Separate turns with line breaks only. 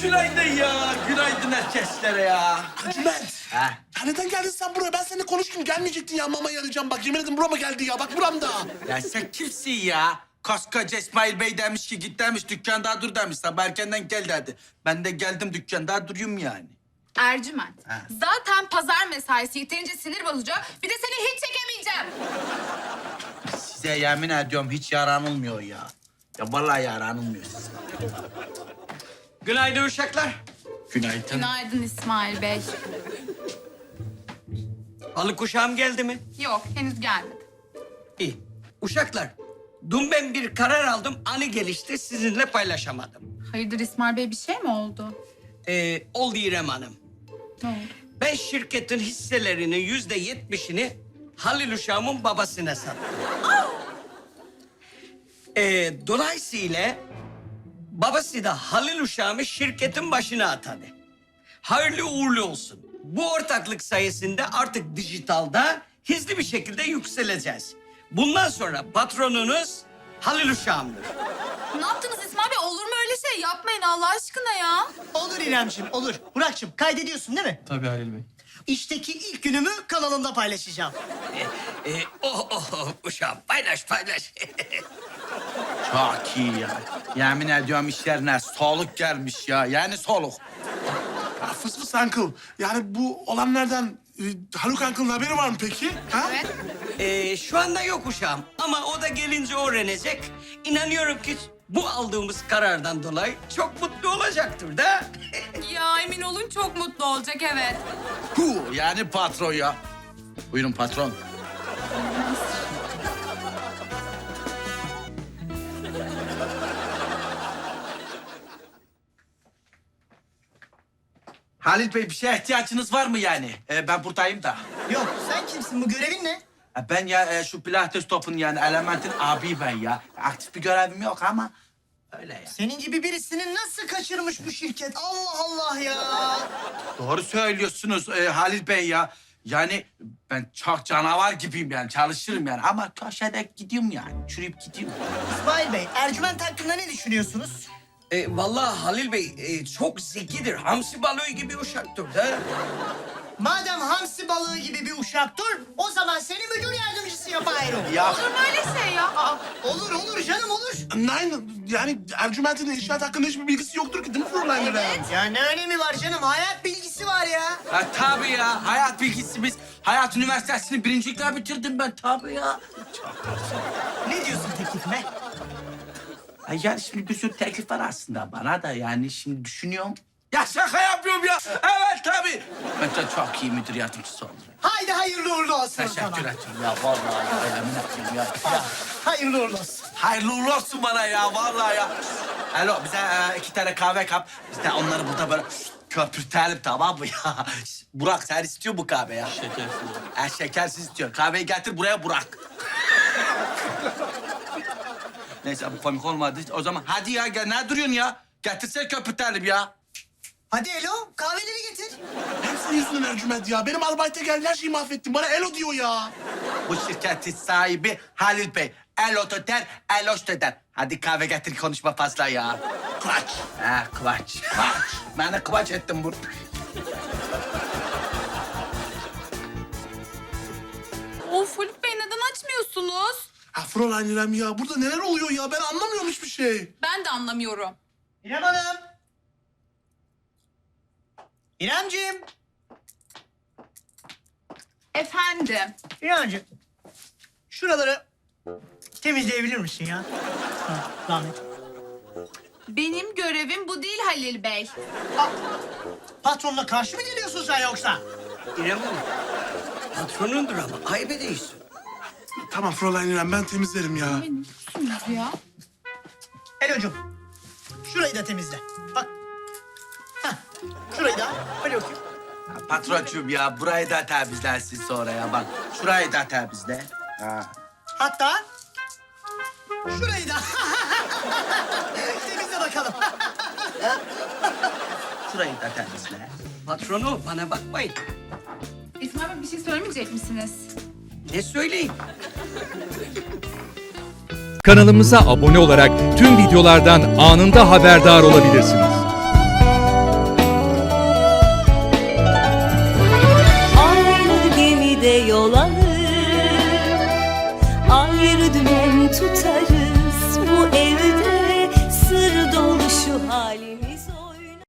günaydın ya. Günaydın herkeslere ya.
Ercüment.
Ha?
Ya neden geldin sen buraya? Ben seninle konuştum. Gelmeyecektin ya. Mama yarayacağım bak. Yemin ederim burama geldi ya. Bak buramda.
Ya sen kimsin ya? Koskoca İsmail Bey demiş ki git demiş dükkanda dur demiş. Sabah erkenden gel dedi. Ben de geldim dükkanda duruyorum yani.
Ercüment.
Ha.
Zaten pazar mesaisi yeterince sinir bozucu. Bir de seni hiç çekemeyeceğim.
Size yemin ediyorum hiç yaranılmıyor ya. Ya vallahi yaranılmıyor size.
Günaydın uşaklar.
Günaydın.
Günaydın İsmail Bey.
Halı kuşağım geldi mi?
Yok, henüz gelmedi.
İyi. Uşaklar, dün ben bir karar aldım. Anı gelişti, sizinle paylaşamadım.
Hayırdır İsmail Bey, bir şey mi oldu?
Oldu İrem Hanım.
Ne oldu?
Ben şirketin hisselerinin %70'ini Halil uşağımın babasına sattım. Dolayısıyla babası da Halil uşağımı şirketin başına atadı. Hayırlı uğurlu olsun. Bu ortaklık sayesinde artık dijitalda hızlı bir şekilde yükseleceğiz. Bundan sonra patronunuz Halil uşağımdır.
Ne yaptınız İsmail Bey? Olur mu öyle şey? Yapmayın Allah aşkına ya.
Olur İremciğim, olur. Burak'cığım kaydediyorsun değil mi?
Tabii Halil Bey.
İşteki ilk günümü kanalımda paylaşacağım.
Uşağım paylaş paylaş.
Çok iyi ya. Yemin ediyorum işlerine soluk gelmiş ya. Yani soluk.
Ya fıs fıs uncle. Yani bu olanlardan Haluk uncle'ın haberi var mı peki? Ha?
Evet.
Şu anda yok uşağım ama o da gelince öğrenecek. İnanıyorum ki bu aldığımız karardan dolayı çok mutlu olacaktır da.
Ya emin olun çok mutlu olacak, evet.
Hu, yani patron ya. Buyurun patron. Halil Bey bir şeye ihtiyacınız var mı yani? Ben buradayım da.
Yok, sen kimsin? Bu görevin ne?
Ben ya şu Pilates topun yani elementin abi ben ya. Aktif bir görevim yok ama öyle ya.
Senin gibi birisini nasıl kaçırmış bu şirket? Allah Allah ya!
Doğru söylüyorsunuz Halil Bey ya. Yani ben çok canavar gibiyim yani çalışırım yani ama köşede gidiyorum yani. Çürüyüp gidiyorum.
İsmail Bey, Ercüment hakkında ne düşünüyorsunuz?
Vallahi Halil Bey çok zekidir. Hamsi balığı gibi uşaktır da.
Madem hamsi balığı gibi bir uşaktır, o zaman seni müdür yardımcısı yapayım.
Ya
Olur mu öyle şey ya? Aa,
Olur, olur canım, olur.
Nein, yani Ercüment'in inşaat hakkında hiçbir bilgisi yoktur ki değil mi Fräulein İrem?
Ya ne önemi var canım? Hayat bilgisi var ya.
tabii ya hayat bilgisi biz. Hayat Üniversitesi'ni birincilikle bitirdim ben tabii ya.
Ne diyorsun teklifime?
Yani şimdi bir sürü teklif var aslında bana da yani şimdi düşünüyorum. Ya şaka yapıyorum ya. Evet tabii. Ben de çok iyi müdür yardımcısı oldum.
Haydi hayırlı uğurlu olsun o
Teşekkür
zaman.
ederim ya vallahi ya, yemin ederim ya.
Hayırlı uğurlu olsun.
Hayırlı uğurlu olsun bana ya vallahi ya. Alo bize 2 tane kahve kap. Biz de onları burada böyle köpürtelim tamam mı ya? Burak sen istiyor bu kahve ya.
Şekersiz.
Şekersiz istiyor. Kahveyi getir buraya Burak. Neyse bu komik olmadı. O zaman hadi ya gel ne duruyorsun ya? Getirsene köpürtelim ya.
Hadi Elo, kahveleri getir.
Hep senin yüzünden Ercüment ya. Benim albayta geldi her şeyi mahvettin. Bana elo diyor ya.
Bu şirketin sahibi Halil Bey. El oto der, el hoşto der. Hadi kahve getir konuşma fazla ya.
Kıraç.
Ha kıvaç. Kıvaç. Ben de kıvaç ettim burada.
of Haluk Bey, neden açmıyorsunuz?
Ha Fräulein İrem ya. Burada neler oluyor ya? Ben anlamıyorum hiçbir şey.
Ben de anlamıyorum.
İrem Hanım. İremciğim.
Efendim?
İremciğim. Şuraları temizleyebilir misin ya? Ha, zahmet.
Benim görevim bu değil Halil Bey.
Patronla karşı mı geliyorsun sen yoksa?
İrem Hanım, patronundur ama ayıp ediyorsun.
Tamam Fräulein İrem ben temizlerim ya.
Ne diyorsunuz ya?
Elo'cum. Şurayı da temizle. Bak. Hah. Şurayı da. Hadi bakayım.
Ya patroncuğum ya burayı da temizlersin sonra ya bak. Şurayı da temizle. Ha.
Hatta şurayı da. Temizle bakalım.
Şurayı da temizle.
Patronu bana bakmayın.
İsmail Bey bir şey söylemeyecek misiniz?
Ne söyleyeyim?
Kanalımıza abone olarak tüm videolardan anında haberdar olabilirsiniz.
tutarım.